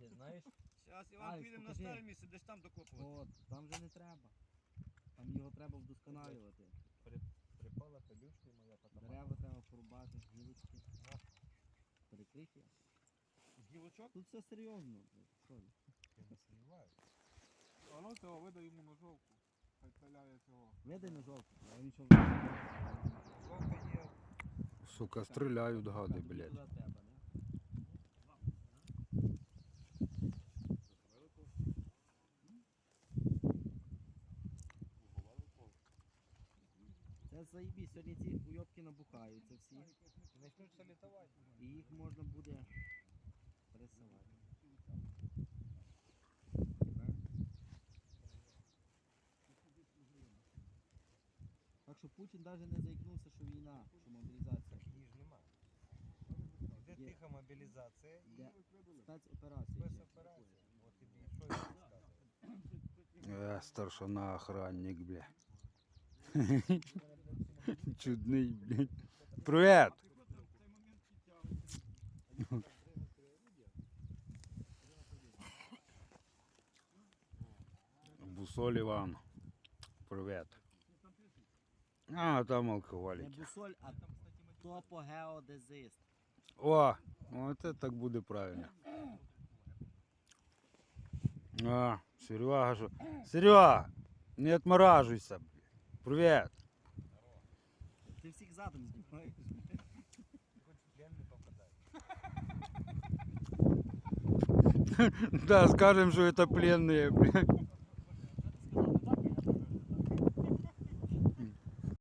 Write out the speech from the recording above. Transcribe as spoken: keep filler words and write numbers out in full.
місце, знаєш? Зараз Іван Алекс, підемо на покажи. старе місце, де ж там докопувати. От, там вже не треба. Там його треба вдосконалювати. Припала пелюшка і моя потома. Дерева треба порубати, гілочки. Перекриті. З гілочок? Тут все серйозно. блядь, що ви. Я не сумніваюся. А ну цього, видай йому ножовку. Хай пиляє цього. Видай на жовту, я нічого не знаю. Жовта є. Сука, стріляють гади, блядь. Туди треба, не? Це заєбісь, сьогодні ці уйобки набухаються всі. І почнуть салітувати. І їх можна буде пересилати. Так що Путін навіть не заікнувся, що війна, що мобілізація. Її ж нема. Де Є. тиха мобілізація і Де спецоперація. є. спецоперація. От тобі і що я розказую. Е, старшина охранник, бля. Чудний, блядь. Привет! Бусоль Іван. Привет. А, там Не алкоголики. бусоль, а топогеодезист. О, вот это так буде правильно. А, Серега, що? Серега, не отмораживайся, блядь. Привет. Ти всіх задом знімаєш. Хоч в плен не попадай. Да, скажем, что это пленные, блядь.